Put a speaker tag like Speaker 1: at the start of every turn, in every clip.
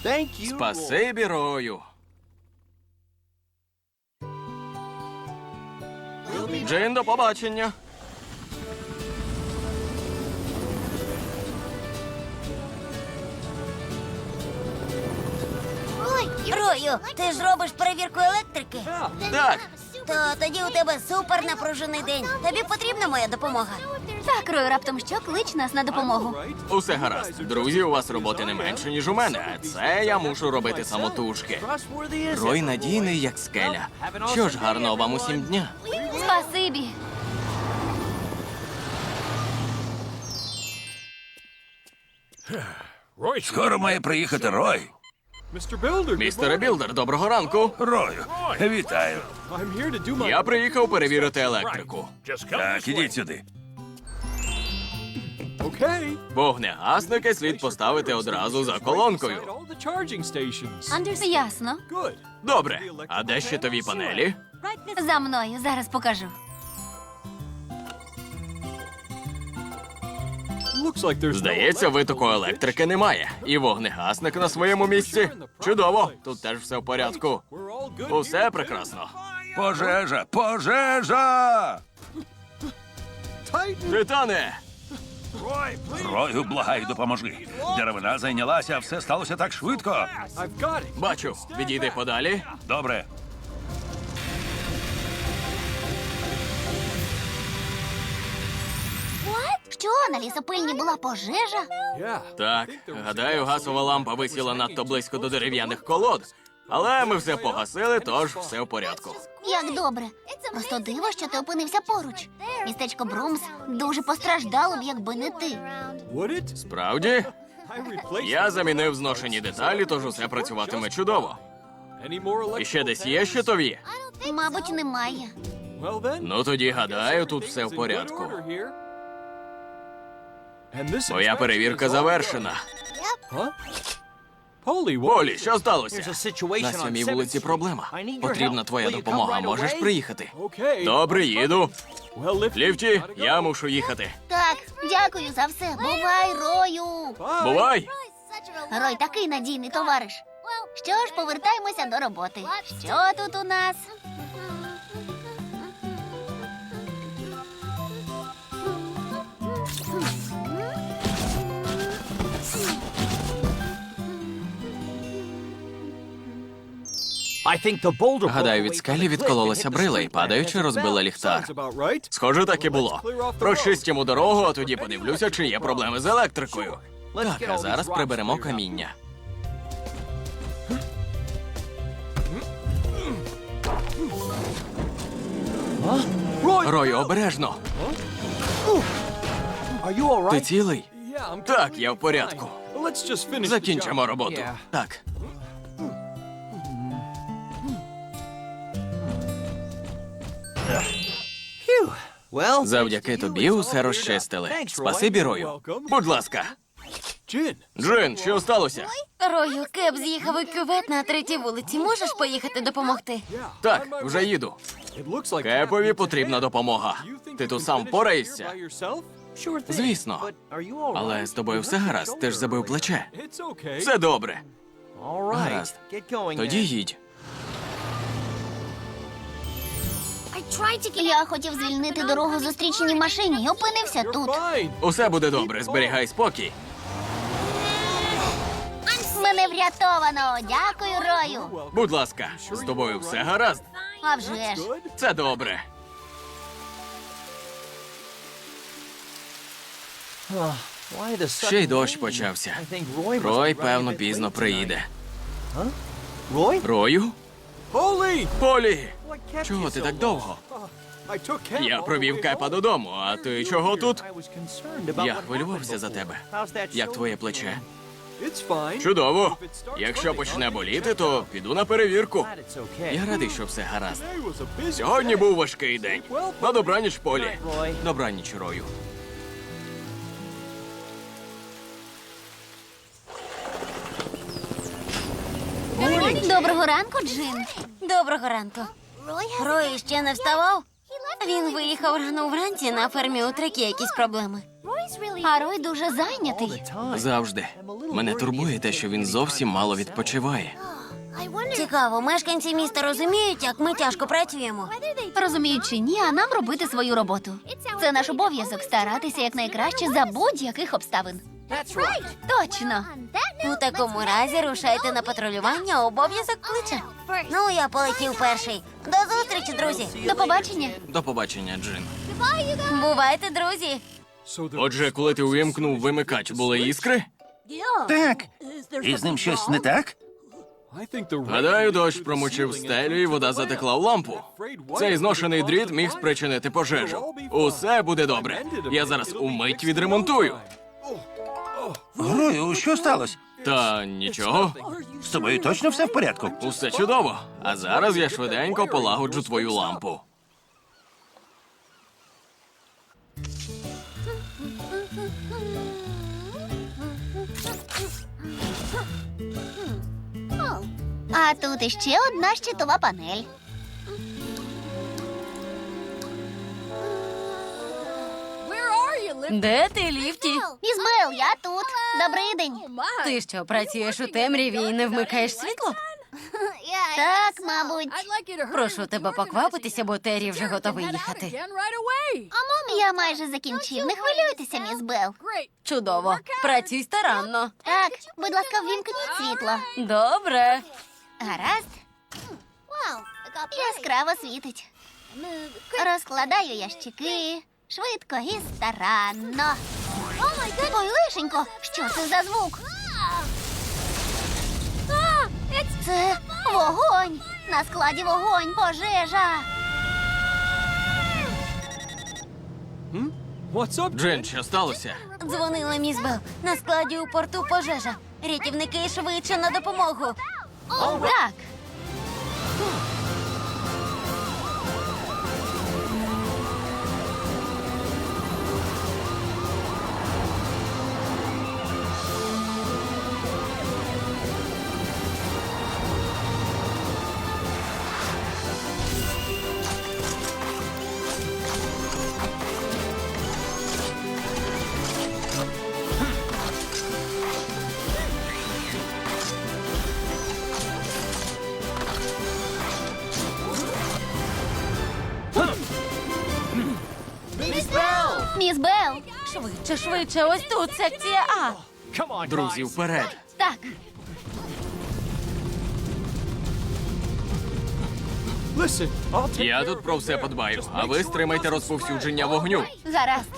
Speaker 1: Спасибі, Рою. Джин, до побачення.
Speaker 2: Рою, ти ж робиш перевірку електрики?
Speaker 1: Так,
Speaker 2: То тоді у тебе супер напружений день. Тобі потрібна моя допомога?
Speaker 3: Так, Рою, раптом що, клич нас на допомогу.
Speaker 1: усе гаразд. Друзі, у вас роботи не менше, ніж у мене. А це я мушу робити самотужки. Рой надійний, як скеля. Що ж, гарного вам усім дня.
Speaker 3: Спасибі.
Speaker 4: Скоро має приїхати Рой.
Speaker 1: Містере Білдер, доброго ранку.
Speaker 4: Рою, вітаю.
Speaker 1: Я приїхав перевірити електрику.
Speaker 4: Так, ідіть сюди.
Speaker 1: Вогнегасники слід поставити одразу за колонкою.
Speaker 3: Ясно.
Speaker 1: Добре. А де щитові панелі?
Speaker 3: За мною, зараз покажу.
Speaker 1: Здається, витоку електрики немає. І вогнегасник на своєму місці. Чудово. Тут теж все в порядку. Усе прекрасно.
Speaker 4: Пожежа! Пожежа!
Speaker 1: Титане!
Speaker 4: Рою, благаю, допоможи. Деревина зайнялася, а все сталося так швидко.
Speaker 1: Бачу. Відійди подалі.
Speaker 4: Добре.
Speaker 3: Що, на лісопильні була пожежа?
Speaker 1: Так, гадаю, газова лампа висіла надто близько до дерев'яних колод. Але ми все погасили, тож все в порядку.
Speaker 3: Як добре. Просто диво, що ти опинився поруч. Містечко Брумс дуже постраждало б, якби не ти.
Speaker 1: Справді? Я замінив зношені деталі, тож усе працюватиме чудово. І ще десь є щитові?
Speaker 3: Мабуть, немає.
Speaker 1: Ну тоді, гадаю, тут все в порядку. Моя перевірка завершена. Полі, що сталося? На 7-й вулиці проблема. Потрібна твоя допомога. Можеш приїхати? Добре, їду. Ліфті, я мушу їхати.
Speaker 3: Так, дякую за все. Бувай, Рою.
Speaker 1: Бувай!
Speaker 3: Рой такий надійний товариш. Що ж, повертаємося до роботи. Що тут у нас?
Speaker 1: Гадаю, від скелі відкололася брила і, падаючи, розбила ліхтар. Схоже, так і було. Прочистимо дорогу, а тоді подивлюся, чи є проблеми з електрикою. Так, а зараз приберемо каміння. Рою, обережно. Ти цілий? Так, я в порядку. Закінчимо роботу. Так. Завдяки тобі усе розчистили. Спасибі, Рою. Будь ласка. Джин, що сталося?
Speaker 2: Рою, Кеп з'їхав у кювет на 3-й вулиці. Можеш поїхати допомогти?
Speaker 1: Так, вже їду. Кепові потрібна допомога. Ти тут сам впораєшся? Звісно. Але з тобою все гаразд, ти ж забив плече. Все добре. Гаразд. Тоді їдь.
Speaker 3: Я хотів звільнити дорогу зустрічній машині і опинився тут.
Speaker 1: Усе буде добре, зберігай спокій.
Speaker 3: Мене врятовано. Дякую, Рою.
Speaker 1: Будь ласка, з тобою все гаразд?
Speaker 3: А вже ж.
Speaker 1: Це добре. Ще й дощ почався. Рой, певно, пізно приїде. Рою? Полі! Чого ти так довго? Я провів Кепа додому, а ти чого тут? Я хвилювався за тебе. Як твоє плече? Чудово. Якщо почне боліти, то піду на перевірку. Я радий, що все гаразд. Сьогодні був важкий день. На добраніч, Полі. Добраніч, Рою.
Speaker 3: Доброго ранку, Джин.
Speaker 2: Доброго ранку. Рой ще не вставав? Він виїхав рано вранці, на фермі у Трекі якісь проблеми.
Speaker 3: А Рой дуже зайнятий.
Speaker 1: Завжди. Мене турбує те, що він зовсім мало відпочиває.
Speaker 2: Цікаво, мешканці міста розуміють, як ми тяжко працюємо.
Speaker 3: Розуміють чи ні, а нам робити свою роботу. Це наш обов'язок старатися якнайкраще за будь-яких обставин. Точно.
Speaker 2: У такому разі рушайте на патрулювання, обов'язок кличе. Ну, я полетів перший. До зустрічі, друзі.
Speaker 3: До побачення.
Speaker 1: До побачення, Джин.
Speaker 2: Бувайте, друзі.
Speaker 1: Отже, коли ти увімкнув вимикач, були іскри?
Speaker 4: Так. І з ним щось не так?
Speaker 1: Гадаю, дощ промочив стелю і вода затекла в лампу. Цей зношений дріт міг спричинити пожежу. Усе буде добре. Я зараз умить відремонтую.
Speaker 4: Рою, що сталося?
Speaker 1: Та нічого,
Speaker 4: З тобою точно все в порядку?
Speaker 1: усе чудово. А зараз я швиденько полагоджу твою лампу.
Speaker 3: А тут іще одна щитова панель.
Speaker 2: Де ти, Ліфті?
Speaker 3: Ізбел, я тут. Добрий день.
Speaker 2: Ти що, працюєш у темряві і не вмикаєш світло?
Speaker 3: Так, мабуть.
Speaker 2: Прошу тебе поквапитися, бо Террі вже готовий їхати.
Speaker 3: Я майже закінчив. Не хвилюйтеся, міс Бел.
Speaker 2: Чудово. Працюй старанно.
Speaker 3: Так, будь ласка, ввімкніть світло.
Speaker 2: Добре.
Speaker 3: Гаразд. Яскраво світить. Розкладаю ящики. Швидко і старанно. Ой, лишенько, що це за звук? Це вогонь! На складі вогонь, пожежа!
Speaker 1: Джин, що сталося?
Speaker 2: Дзвонила міс Бел. На складі у порту пожежа. Рятівники швидше на допомогу.
Speaker 3: Так. Міс Бел!
Speaker 2: Швидше, швидше, ось тут секція А.
Speaker 1: Друзі, вперед!
Speaker 3: Так,
Speaker 1: Я тут про все подбаю, а ви стримайте розповсюдження вогню.
Speaker 3: гаразд.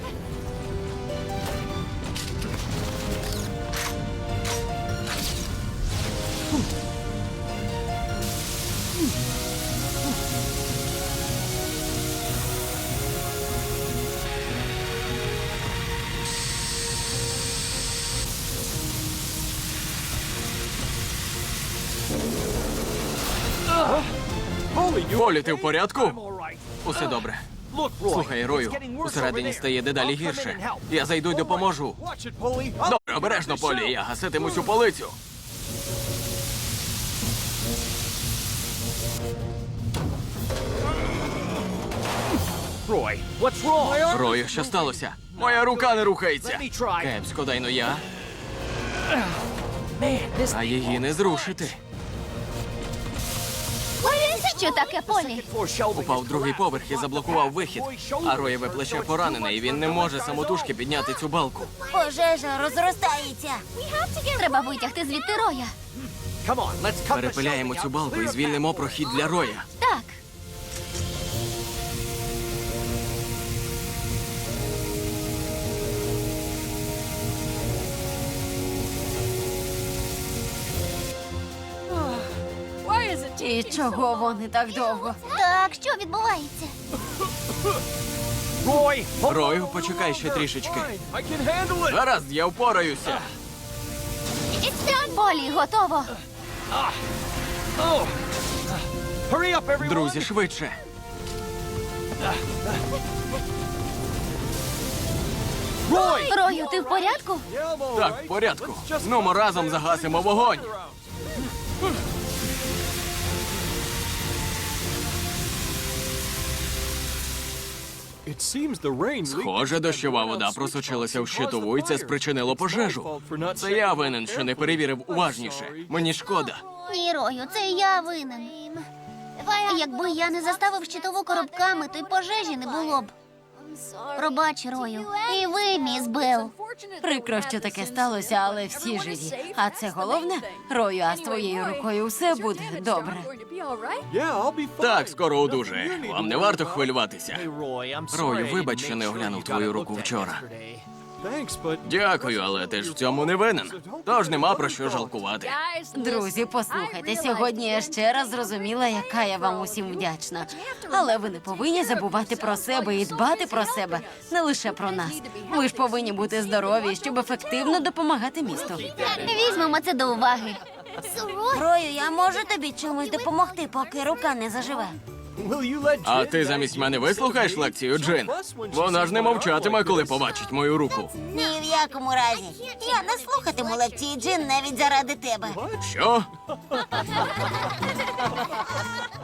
Speaker 1: Полі, ти в порядку? Усе добре. Слухай, Рою, усередині стає дедалі гірше. Я зайду й допоможу. Добре, обережно, Полі, я гаситиму цю полицю. Рою, що сталося? Моя рука не рухається. Кепсько, дай но я. А її не зрушити.
Speaker 3: Що таке, Полі?
Speaker 1: Упав другий поверх і заблокував вихід. А Роєве плече поранене, і він не може самотужки підняти цю балку.
Speaker 2: Пожежа розростається.
Speaker 3: Треба витягти звідти Роя.
Speaker 1: Перепиляємо цю балку і звільнимо прохід для Роя.
Speaker 3: Так.
Speaker 2: І чого вони так довго?
Speaker 3: Так, що відбувається?
Speaker 1: Рою, почекай ще трішечки. Гаразд, я впораюся.
Speaker 3: Полі, готово.
Speaker 1: Друзі, швидше.
Speaker 3: Рою, ти в порядку?
Speaker 1: Так, в порядку. Ну, ми разом загасимо вогонь. Схоже, дощова вода просочилася в щитову, і це спричинило пожежу. Це я винен, що не перевірив уважніше. Мені шкода.
Speaker 3: Ні, Рою, це я винен. Якби я не заставив щитову коробками, то й пожежі не було б. Пробач, Рою. І ви, міс Белл.
Speaker 2: Прикро, що таке сталося, але всі живі. А це головне, Рою, а з твоєю рукою все буде добре.
Speaker 1: Так, скоро одужає. Вам не варто хвилюватися. Рою, вибач, що не оглянув твою руку вчора. Дякую, але ти ж в цьому не винен. Тож нема про що жалкувати.
Speaker 2: Друзі, послухайте, сьогодні я ще раз зрозуміла, яка я вам усім вдячна. Але ви не повинні забувати про себе і дбати про себе, не лише про нас. Ви ж повинні бути здорові, щоб ефективно допомагати місту.
Speaker 3: Візьмемо це до уваги.
Speaker 2: Рою, я можу тобі чимось допомогти, поки рука не заживе?
Speaker 1: А ти замість мене вислухаєш лекцію, Джин? Вона ж не мовчатиме, коли побачить мою руку.
Speaker 2: Ні в якому разі. Я не слухатиму лекції Джин навіть заради тебе.
Speaker 1: Що?